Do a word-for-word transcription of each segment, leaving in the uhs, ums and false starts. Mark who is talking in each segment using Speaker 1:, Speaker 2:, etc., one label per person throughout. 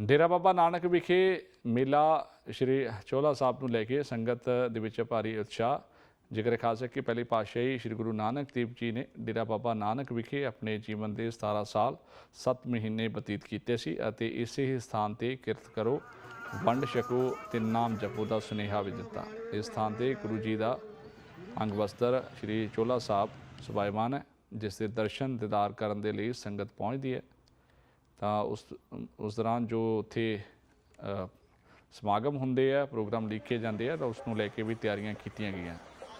Speaker 1: ਡੇਰਾ ਬਾਬਾ ਨਾਨਕ ਵਿਖੇ ਮੇਲਾ ਸ਼੍ਰੀ ਚੋਹਲਾ ਸਾਹਿਬ ਨੂੰ ਲੈ ਕੇ ਸੰਗਤ ਦੇ ਵਿੱਚ ਭਾਰੀ ਉਤਸ਼ਾਹ। ਜ਼ਿਕਰ ਖਾਸ ਹੈ ਕਿ ਪਹਿਲੀ ਪਾਤਸ਼ਾਹੀ ਸ਼੍ਰੀ ਗੁਰੂ ਨਾਨਕ ਦੇਵ ਜੀ ਨੇ ਡੇਰਾ ਬਾਬਾ ਨਾਨਕ ਵਿਖੇ ਆਪਣੇ ਜੀਵਨ ਦੇ ਸਤਾਰਾਂ ਸਾਲ ਸੱਤ ਮਹੀਨੇ ਬਤੀਤ ਕੀਤੇ ਸੀ ਅਤੇ ਇਸੇ ਹੀ ਸਥਾਨ ਤੇ ਕਿਰਤ ਕਰੋ, ਵੰਡ ਛਕੋ ਤੇ ਨਾਮ ਜਪੋ ਦਾ ਸੁਨੇਹਾ ਵੀ ਦਿੱਤਾ। ਇਸ ਸਥਾਨ ਤੇ ਗੁਰੂ ਜੀ ਦਾ ਅੰਗ ਵਸਤਰ ਸ਼੍ਰੀ ਚੋਹਲਾ ਸਾਹਿਬ ਸੁਭਾਇਮਾਨ ਹੈ, ਜਿਸ ਦੇ ਦਰਸ਼ਨ ਦੀਦਾਰ ਕਰਨ ਦੇ ਲਈ ਸੰਗਤ ਪਹੁੰਚਦੀ ਹੈ। ਤਾਂ ਉਸ ਉਸ ਦੌਰਾਨ ਜੋ ਉੱਥੇ ਸਮਾਗਮ ਹੁੰਦੇ ਆ, ਪ੍ਰੋਗਰਾਮ ਲਿਖੇ ਜਾਂਦੇ ਆ, ਤਾਂ ਉਸ ਨੂੰ ਲੈ ਕੇ ਵੀ ਤਿਆਰੀਆਂ ਕੀਤੀਆਂ ਗਈਆਂ।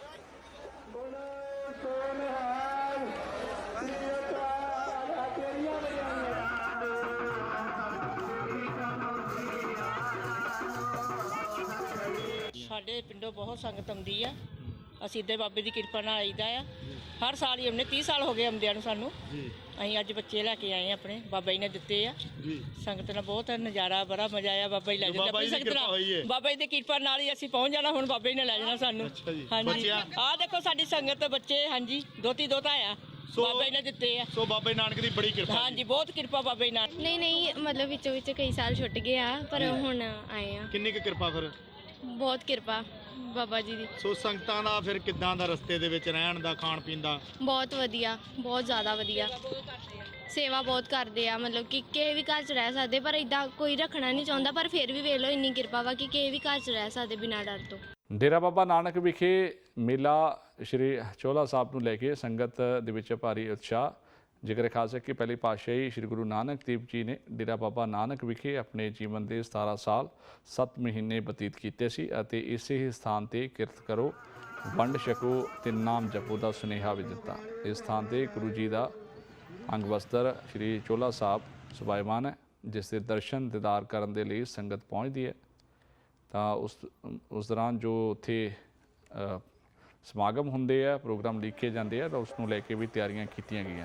Speaker 2: ਸਾਡੇ ਪਿੰਡੋਂ ਬਹੁਤ ਸੰਗਤ ਆਉਂਦੀ ਆ। ਅਸੀਂ ਇੱਦੇ ਬਾਬੇ ਦੀ ਕਿਰਪਾ ਨਾਲ ਆਈਦਾ ਆ। ਹਰ ਸਾਲ ਹੀ ਆਉਂਦੇ, ਤੀਹ ਸਾਲ ਹੋ ਗਏ ਆਉਂਦਿਆਂ ਨੂੰ ਸਾਨੂੰ। ਅਸੀਂ ਅੱਜ ਬੱਚੇ ਲੈ ਕੇ ਆਏ ਆ, ਆਪਣੇ ਬਾਬਾ ਜੀ ਨੇ ਦਿੱਤੇ ਆ। ਸੰਗਤ ਨਾਲ ਬਹੁਤ ਨਜ਼ਾਰਾ, ਬੜਾ ਮਜ਼ਾ ਆਇਆ। ਬਾਬਾ ਜੀ ਲੈ ਜਾਂਦੇ ਆਪਣੀ ਸੰਗਤ ਨਾਲ। ਬਾਬਾ ਜੀ ਦੀ ਕਿਰਪਾ ਨਾਲ ਹੀ ਅਸੀਂ ਪਹੁੰਚ ਜਾਣਾ। ਹੁਣ ਬਾਬਾ ਜੀ ਨੇ ਲੈ ਜਾਣਾ ਸਾਨੂੰ। ਹਾਂਜੀ, ਆਹ ਦੇਖੋ ਸਾਡੀ ਸੰਗਤ, ਬੱਚੇ, ਹਾਂਜੀ, ਦੋਤੀ ਦੋਤਾ ਆ, ਬਾਬਾ ਜੀ ਨੇ ਦਿੱਤੇ ਆ।
Speaker 3: ਸੋ ਬਾਬਾ ਨਾਨਕ ਦੀ ਬੜੀ ਕਿਰਪਾ।
Speaker 2: ਹਾਂਜੀ, ਬਹੁਤ ਕਿਰਪਾ ਬਾਬਾ ਜੀ ਨਾਲ।
Speaker 4: ਨਹੀਂ ਨਹੀਂ ਮਤਲਬ ਵਿੱਚੋਂ ਵਿੱਚ ਕਈ ਸਾਲ ਛੁੱਟ ਗਏ ਆ, ਪਰ ਹੁਣ ਆਏ ਆ।
Speaker 3: ਕਿੰਨੀ ਕੁ ਕਿਰਪਾ ਫਿਰ?
Speaker 4: ਬਹੁਤ ਕਿਰਪਾ ਬਾਬਾ ਜੀ ਦੀ।
Speaker 3: ਸੋ ਸੰਗਤਾਂ ਦਾ ਫਿਰ ਕਿੱਦਾਂ ਦਾ ਰਸਤੇ ਦੇ ਵਿੱਚ ਰਹਿਣ ਦਾ, ਖਾਣ ਪੀਣ ਦਾ?
Speaker 4: ਬਹੁਤ ਵਧੀਆ, ਬਹੁਤ ਜ਼ਿਆਦਾ ਵਧੀਆ। ਸੇਵਾ ਬਹੁਤ ਕਰਦੇ ਆ, ਮਤਲਬ ਕਿ ਕਿਸੇ ਵੀ ਘਰ 'ਚ ਰਹਿ ਸਕਦੇ, ਪਰ ਇਦਾਂ ਕੋਈ ਰੱਖਣਾ ਨਹੀਂ ਚਾਹੁੰਦਾ। ਪਰ ਫਿਰ ਵੀ ਵੇਖ ਲਓ, ਇੰਨੀ ਕਿਰਪਾ ਵਾ ਕਿ ਕਿਸੇ ਵੀ ਘਰ 'ਚ ਰਹਿ ਸਕਦੇ ਬਿਨਾਂ ਡਰ ਤੋਂ।
Speaker 1: ਡੇਰਾ ਬਾਬਾ ਨਾਨਕ ਵਿਖੇ ਮੇਲਾ ਸ਼੍ਰੀ ਚੋਹਲਾ ਸਾਹਿਬ ਨੂੰ ਲੈ ਕੇ ਸੰਗਤ ਦੇ ਵਿੱਚ ਭਾਰੀ ਉਤਸ਼ਾਹ। ਜ਼ਿਕਰ ਖਾਸ ਹੈ ਕਿ ਪਹਿਲੀ ਪਾਤਸ਼ਾਹੀ ਸ਼੍ਰੀ ਗੁਰੂ ਨਾਨਕ ਦੇਵ ਜੀ ਨੇ ਡੇਰਾ ਬਾਬਾ ਨਾਨਕ ਵਿਖੇ ਆਪਣੇ ਜੀਵਨ ਦੇ ਸਤਾਰਾਂ ਸਾਲ ਸੱਤ ਮਹੀਨੇ ਬਤੀਤ ਕੀਤੇ ਸੀ ਅਤੇ ਇਸੇ ਹੀ ਸਥਾਨ ਤੇ ਕਿਰਤ ਕਰੋ, ਵੰਡ ਛਕੋ ਤੇ ਨਾਮ ਜਪੋ ਦਾ ਸੁਨੇਹਾ ਵੀ ਦਿੱਤਾ। ਇਸ ਸਥਾਨ ਤੇ ਗੁਰੂ ਜੀ ਦਾ ਅੰਗ ਵਸਤਰ ਸ਼੍ਰੀ ਚੋਹਲਾ ਸਾਹਿਬ ਸੁਭਾਇਮਾਨ ਹੈ, ਜਿਸ ਦੇ ਦਰਸ਼ਨ ਦੀਦਾਰ ਕਰਨ ਦੇ ਲਈ ਸੰਗਤ ਪਹੁੰਚਦੀ ਹੈ। ਤਾਂ ਉਸ ਉਸ ਦੌਰਾਨ ਜੋ ਉੱਥੇ ਸਮਾਗਮ ਹੁੰਦੇ ਆ, ਪ੍ਰੋਗਰਾਮ ਲਿਖੇ ਜਾਂਦੇ ਆ, ਤਾਂ ਉਸ ਨੂੰ ਲੈ ਕੇ ਵੀ ਤਿਆਰੀਆਂ ਕੀਤੀਆਂ ਗਈਆਂ।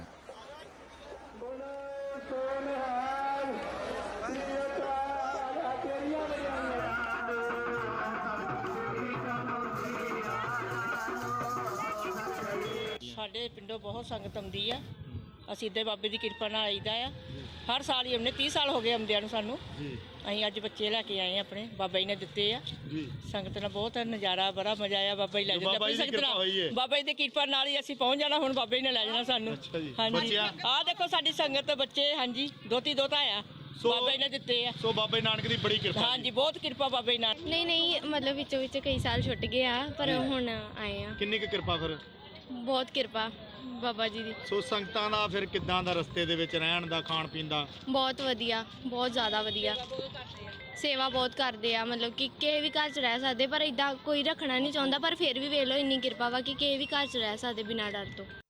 Speaker 2: ਸਾਡੇ ਪਿੰਡੋਂ ਬਹੁਤ ਸੰਗਤ ਆਉਂਦੀ ਆ। ਅਸੀਂ ਇੱਦੇ ਬਾਬੇ ਦੀ ਕਿਰਪਾ ਨਾਲ ਆਈਦਾ ਆ। ਹਰ ਸਾਲ ਹੀ ਆਉਂਦੇ, ਤੀਹ ਸਾਲ ਹੋ ਗਏ ਆਉਂਦਿਆਂ ਨੂੰ ਸਾਨੂੰ। ਅਸੀਂ ਅੱਜ ਬੱਚੇ ਲੈ ਕੇ ਆਏ ਆ, ਆਪਣੇ ਬਾਬਾ ਜੀ ਨੇ ਦਿੱਤੇ ਆ। ਸੰਗਤ ਨਾਲ ਬਹੁਤ ਨਜ਼ਾਰਾ, ਬੜਾ ਮਜ਼ਾ ਆਇਆ। ਬਾਬਾ ਜੀ ਲੈ ਜਾਂਦੇ ਆਪਣੀ ਸੰਗਤ ਨਾਲ। ਬਾਬਾ ਜੀ ਦੀ ਕਿਰਪਾ ਨਾਲ ਹੀ ਅਸੀਂ ਪਹੁੰਚ ਜਾਣਾ। ਹੁਣ ਬਾਬਾ ਜੀ ਨੇ ਲੈ ਜਾਣਾ ਸਾਨੂੰ। ਹਾਂਜੀ, ਆਹ ਦੇਖੋ ਸਾਡੀ ਸੰਗਤ, ਬੱਚੇ, ਹਾਂਜੀ, ਦੋਤੀ ਦੋਤਾ ਆ, ਬਾਬਾ ਜੀ ਨੇ ਦਿੱਤੇ ਆ।
Speaker 3: ਸੋ ਬਾਬਾ ਨਾਨਕ ਦੀ ਬੜੀ ਕਿਰਪਾ।
Speaker 2: ਹਾਂਜੀ, ਬਹੁਤ ਕਿਰਪਾ ਬਾਬਾ ਜੀ ਨਾਲ।
Speaker 4: ਨਹੀਂ ਨਹੀਂ ਮਤਲਬ ਵਿੱਚੋਂ ਵਿੱਚ ਕਈ ਸਾਲ ਛੁੱਟ ਗਏ ਆ, ਪਰ ਹੁਣ ਆਏ ਆ।
Speaker 3: ਕਿੰਨੀ ਕੁ ਕਿਰਪਾ ਫਿਰ?
Speaker 4: ਬਹੁਤ ਕਿਰਪਾ ਬਾਬਾ ਜੀ ਦੀ।
Speaker 3: ਸੋ ਸੰਗਤਾਂ ਦਾ ਫਿਰ ਕਿੱਦਾਂ ਦਾ ਰਸਤੇ ਦੇ ਵਿੱਚ ਰਹਿਣ ਦਾ, ਖਾਣ ਪੀਣ ਦਾ?
Speaker 4: ਬਹੁਤ ਵਧੀਆ, ਬਹੁਤ ਜ਼ਿਆਦਾ ਵਧੀਆ। ਸੇਵਾ ਬਹੁਤ ਕਰਦੇ ਆ, ਮਤਲਬ ਕਿ ਕਿਸੇ ਵੀ ਘਰ 'ਚ ਰਹਿ ਸਕਦੇ, ਪਰ ਇਦਾਂ ਕੋਈ ਰੱਖਣਾ ਨਹੀਂ ਚਾਹੁੰਦਾ। ਪਰ ਫਿਰ ਵੀ ਵੇਖ ਲਓ, ਇੰਨੀ ਕਿਰਪਾ ਵਾ ਕਿ ਕਿਸੇ ਵੀ ਘਰ 'ਚ ਰਹਿ ਸਕਦੇ ਬਿਨਾਂ ਡਰ ਤੋਂ।